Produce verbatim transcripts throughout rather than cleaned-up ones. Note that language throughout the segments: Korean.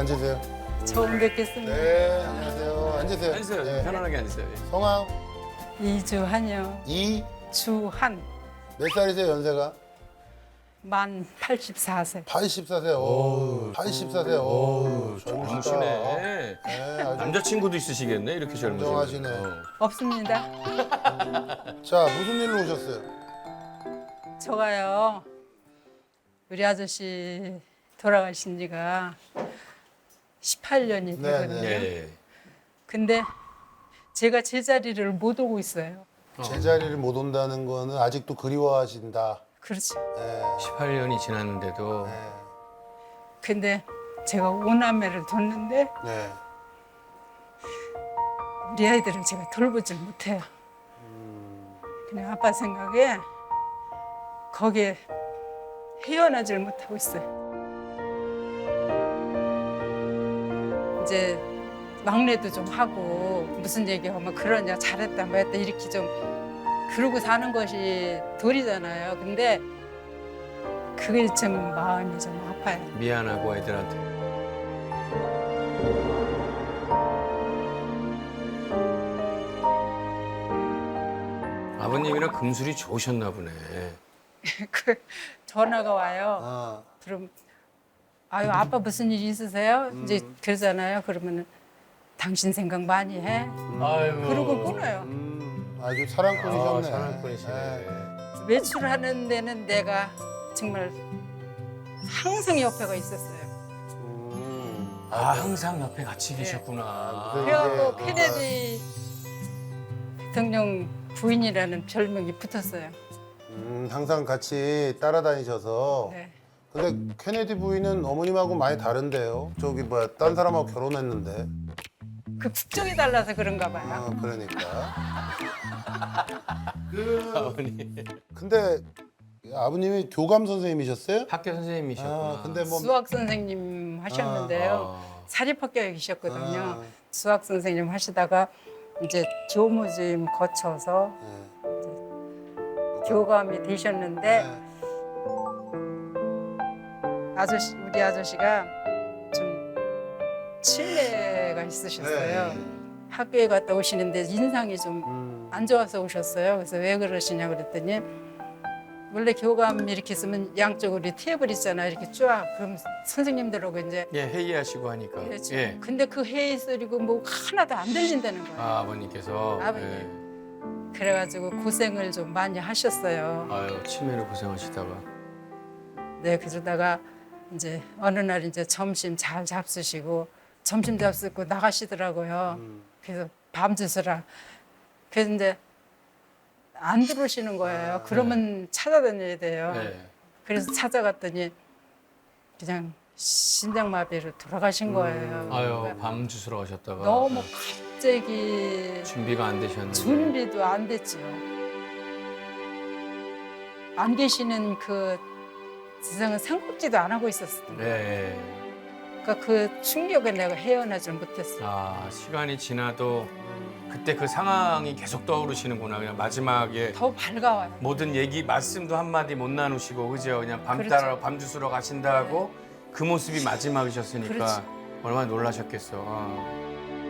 앉으세요. 처음 뵙겠습니다. 네, 안녕하세요. 앉으세요. 앉으세요. 네. 편안하게 앉으세요. 예. 성함 이주한요. 이 주한. 몇 살이세요, 연세가? 만 팔십사 세. 팔십사 세. 오, 팔십사 세. 오, 젊으시다. 젊으시네. 네, 아주 남자친구도 있으시겠네, 이렇게 젊으시면. 건강하시네. 어. 없습니다. 자, 무슨 일로 오셨어요? 저가요. 우리 아저씨 돌아가신 지가 십팔 년이 네, 되거든요. 네. 예. 근데 제가 제자리를 못 오고 있어요. 제자리를 못 온다는 거는 아직도 그리워하신다. 그렇죠. 네. 십팔 년이 지났는데도 네. 근데 제가 오남매를 뒀는데 네. 우리 아이들을 제가 돌보질 못해요. 그냥 아빠 생각에 거기에 헤어나질 못하고 있어요. 이제 막내도 좀 하고 무슨 얘기하면 그러냐 잘했다 뭐 했다 이렇게 좀 그러고 사는 것이 도리잖아요. 근데 그게 좀 마음이 좀 아파요. 미안하고 애들한테. 아버님이랑 금술이 좋으셨나 보네. 그 전화가 와요. 아, 그럼 아유 아빠 무슨 일 있으세요? 음. 이제 그러잖아요. 그러면은 당신 생각 많이 해. 아이고. 그러고 끊어요. 음, 아주 사랑꾼이셨네. 아, 사랑꾼이시네. 네. 외출하는 데는 내가 정말 항상 옆에가 있었어요. 음, 아, 항상 옆에 같이 계셨구나. 그래. 그래갖고 이제, 케네디 대통령 부인이라는 별명이 붙었어요. 음, 항상 같이 따라다니셔서. 네. 근데 케네디 부인은 어머님하고 많이 다른데요. 저기 뭐야, 딴 사람하고 결혼했는데. 그 국적이 달라서 그런가 봐요. 아, 그러니까. 그 아버님. 근데 아버님이 교감 선생님이셨어요? 학교 선생님이셨구나. 아, 근데 뭐 수학 선생님 하셨는데요. 아. 사립학교에 계셨거든요. 아. 수학 선생님 하시다가 이제 교무주임 거쳐서 네. 교감이 되셨는데 네. 아저씨 우리 아저씨가 좀 치매가 있으셨어요. 네. 학교에 갔다 오시는데 인상이 좀 안 음. 좋아서 오셨어요. 그래서 왜 그러시냐 그랬더니 원래 교감 이렇게 쓰면 양쪽으로 테이블 있잖아요. 이렇게 쫙 그럼 선생님들하고 이제 예, 회의하시고 하니까. 그렇죠. 예. 근데 그 회의 소리고 뭐 하나도 안 들린다는 거예요. 아, 아버님께서. 아버님. 예. 그래가지고 고생을 좀 많이 하셨어요. 아유, 치매로 고생하시다가. 네, 그러다가 이제 어느 날 이제 점심 잘 잡수시고 점심 잡수고 나가시더라고요. 음. 그래서 밤 주스라. 그래서 이제 안 들어오시는 거예요. 그러면 찾아다녀야 돼요. 네. 그래서 찾아갔더니 그냥 심장마비로 돌아가신 거예요. 아유, 그러니까 밤 주스러 가셨다가. 너무 네. 갑자기 준비가 안 되셨는데. 준비도 안 됐지요. 안 계시는 그 세상은 생각지도 안 하고 있었어요. 네. 그러니까 그 충격에 내가 헤어나질 못했어요. 아, 시간이 지나도 그때 그 상황이 계속 떠오르시는구나. 그냥 마지막에 더 밝아와요. 모든 얘기, 말씀도 한마디 못 나누시고, 그죠? 그냥 밤 그렇죠. 따라 밤 주스러 가신다고 그 모습이 마지막이셨으니까 그렇지. 얼마나 놀라셨겠어. 아.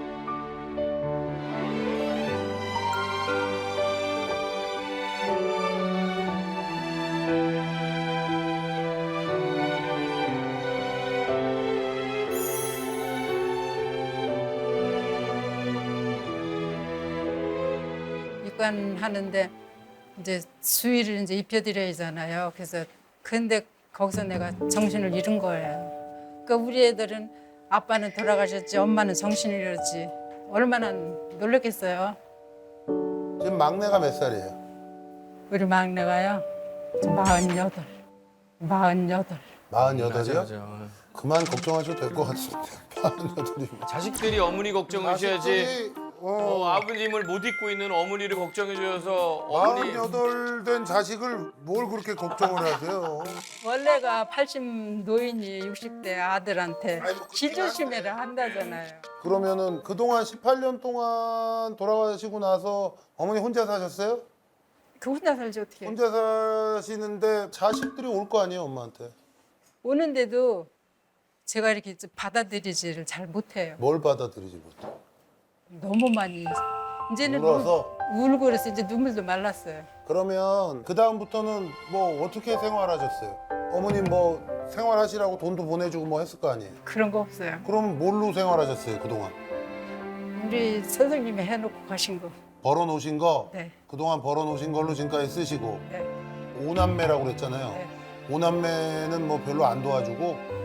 입관하는데 이제 수의를 이제 입혀드려야 하잖아요. 그래서 근데 거기서 내가 정신을 잃은 거예요. 그러니까 우리 애들은 아빠는 돌아가셨지, 엄마는 정신을 잃었지. 얼마나 놀랐겠어요. 지금 막내가 몇 살이에요? 우리 막내가요. 마흔여덟. 마흔여덟. 마흔여덟이요? 맞아, 맞아. 그만 걱정하셔도 될 것 같은데. 마흔여덟이면. 자식들이 어머니 걱정하셔야지. 어, 어, 아버님을 못 잊고 있는 어머니를 걱정해 주셔서 어머니. 마흔여덟 된 자식을 뭘 그렇게 걱정을 하세요? 원래가 팔십 노인이 육십 대 아들한테 아이, 뭐 길 그렇긴 조심해라 한다잖아요. 그러면은 그동안 십팔 년 동안 돌아가시고 나서 어머니 혼자 사셨어요? 그 혼자 살지 어떻게. 혼자 사시는데 자식들이 올 거 아니에요, 엄마한테? 오는데도 제가 이렇게 받아들이지를 잘 못해요. 뭘 받아들이지 못해? 너무 많이 이제는 울어서? 울, 울고 그래서 이제 눈물도 말랐어요. 그러면 그 다음부터는 뭐 어떻게 생활하셨어요? 어머님 뭐 생활하시라고 돈도 보내주고 뭐 했을 거 아니에요? 그런 거 없어요. 그럼 뭘로 생활하셨어요 그동안? 우리 선생님이 해놓고 가신 거. 벌어놓으신 거? 네. 그동안 벌어놓으신 걸로 지금까지 쓰시고 네. 오남매라고 그랬잖아요. 네. 오남매는 뭐 별로 안 도와주고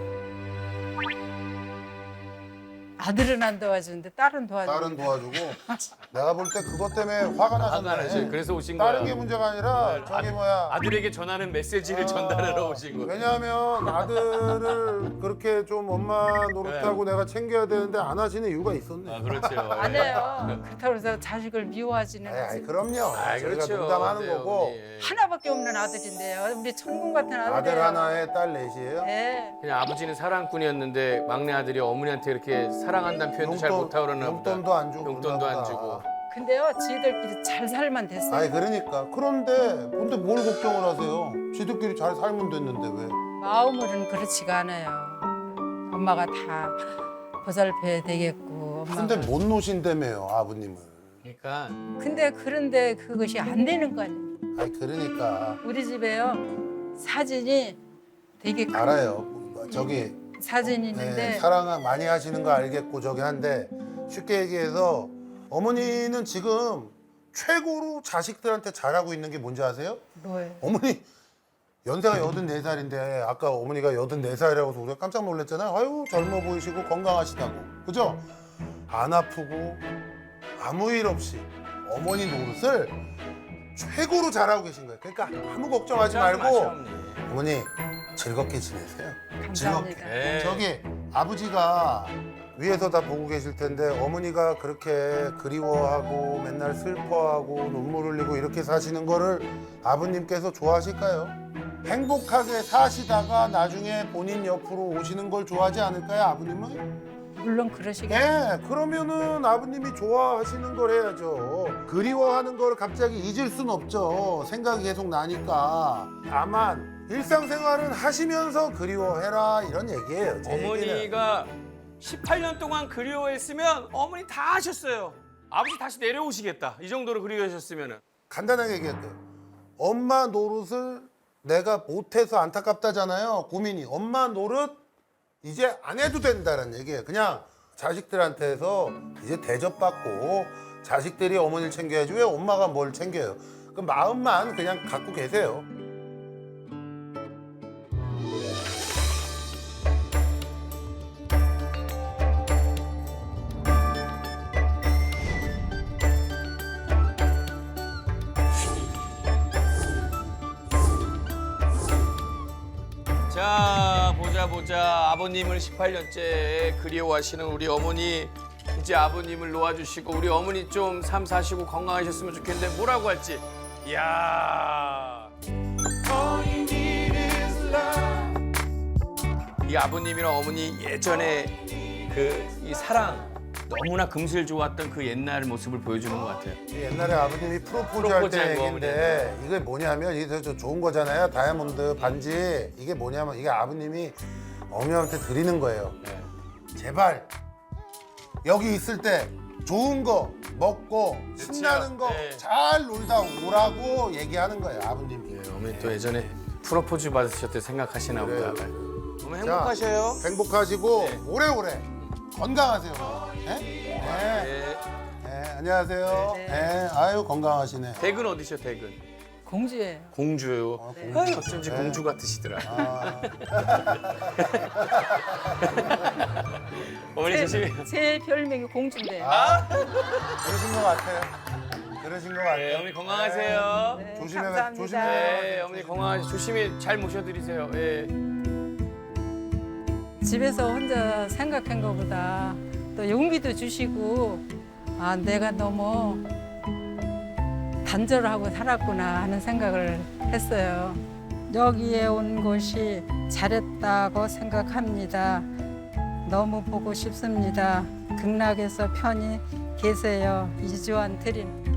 아들은 안 도와주는데 딸은 도와주고. 딸은 도와주고 내가 볼 때 그것 때문에 화가 화가 나죠. 나셨네. 그래서 오신 다른 거야. 게 문제가 아니라 저기 뭐야 아들에게 전하는 메시지를 아, 전달하러 오신 거예요. 왜냐하면 아들을 그렇게 좀 엄마 노릇하고 내가 챙겨야 되는데 안 하시는 이유가 있었네. 아, 그렇죠. 안 해요. 그렇다고 해서 자식을 미워하지는 아이, 아이, 않지. 그럼요. 아, 저희가 그렇죠. 농담하는 네, 거고 어머니, 예. 하나밖에 없는 아들인데요. 우리 천군 같은 아들이에요. 아들 하나에 딸 넷이에요. 네. 그냥 아버지는 사랑꾼이었는데 막내 아들이 어머니한테 이렇게 사랑한다는 표현도 잘 못하고 그러나 보다. 용돈도 안 주고 용돈도 그러나 안 보다. 주고. 근데요, 지들끼리 잘 살만 됐어요. 아니 그러니까 그런데 근데 뭘 걱정을 하세요? 지들끼리 잘 살면 됐는데 왜? 마음으로는 그렇지가 않아요. 엄마가 다 보살펴야 되겠고. 엄마가. 근데 못 노신다며요 아버님을. 그러니까 근데 그런데 그것이 안 되는 거 아니에요. 아니 그러니까 우리 집에요 사진이 되게 큰 알아요. 저기 사진이 네, 있는데 사랑 많이 하시는 거 알겠고 저기 한데 쉽게 얘기해서 어머니는 지금 최고로 자식들한테 잘하고 있는 게 뭔지 아세요? 뭐예요? 어머니 연세가 여든네 살인데 아까 어머니가 여든네 살이라고 해서 우리가 깜짝 놀랐잖아요. 아유 젊어 보이시고 건강하시다고. 그죠? 안 아프고 아무 일 없이 어머니 노릇을 최고로 잘하고 계신 거예요. 그러니까 아무 걱정하지 말고 어머니 즐겁게 지내세요. 감사합니다. 즐겁게. 네. 저기 아버지가 위에서 다 보고 계실 텐데 어머니가 그렇게 그리워하고 맨날 슬퍼하고 눈물 흘리고 이렇게 사시는 거를 아버님께서 좋아하실까요? 행복하게 사시다가 나중에 본인 옆으로 오시는 걸 좋아하지 않을까요, 아버님은? 물론 그러시겠죠. 예, 그러면은 아버님이 좋아하시는 걸 해야죠. 그리워하는 걸 갑자기 잊을 순 없죠. 생각이 계속 나니까. 다만 일상생활은 하시면서 그리워해라 이런 얘기예요. 제 얘기는. 어머니가 십팔 년 동안 그리워했으면 어머니 다 하셨어요. 아버지 다시 내려오시겠다. 이 정도로 그리워하셨으면은. 간단하게 얘기할게요. 엄마 노릇을 내가 못해서 안타깝다잖아요. 고민이. 엄마 노릇 이제 안 해도 된다는 얘기예요. 그냥 자식들한테서 이제 대접받고 자식들이 어머니를 챙겨야지 왜 엄마가 뭘 챙겨요. 그 마음만 그냥 갖고 계세요. 자 보자 보자 아버님을 십팔 년째 그리워하시는 우리 어머니 이제 아버님을 놓아주시고 우리 어머니 좀 삶 사시고 건강하셨으면 좋겠는데 뭐라고 할지 이야 이 아버님이랑 어머니 예전에 그 이 사랑 너무나 금슬 좋았던 그 옛날 모습을 보여주는 것 같아요. 옛날에 아버님이 프로포즈 할 프로포즈 때 한 거, 얘기인데 이게 뭐냐면 이게 저 좋은 거잖아요. 다이아몬드 반지. 이게 뭐냐면 이게 아버님이 어머니한테 드리는 거예요. 네. 제발 여기 있을 때 좋은 거 먹고 신나는 거 네. 잘 놀다 오라고 얘기하는 거예요, 아버님이. 예, 어머니 또 예전에 프로포즈 받으셨을 때 생각하시나 그래요. 보다. 너무 자, 행복하셔요. 행복하시고 네. 오래오래 건강하세요. 네? 네. 네. 네, 안녕하세요. 네. 네. 아유 건강하시네. 댁은 어디셔 댁은? 공주예요. 공주요. 어, 네. 공주. 아유, 어쩐지 네. 공주 같으시더라. 아, 어머니 조심히. 제 별명이 공주인데요. 아, 그러신 것 같아요. 그러신 것 같아요. 네, 어머니 건강하세요. 네, 조심해, 감사합니다. 조심해. 네, 어머니 건강하시 조심히 잘 모셔드리세요. 예. 집에서 혼자 생각한 것보다 또 용기도 주시고 아 내가 너무 단절하고 살았구나 하는 생각을 했어요. 여기에 온 것이 잘했다고 생각합니다. 너무 보고 싶습니다. 극락에서 편히 계세요. 이주환 드림.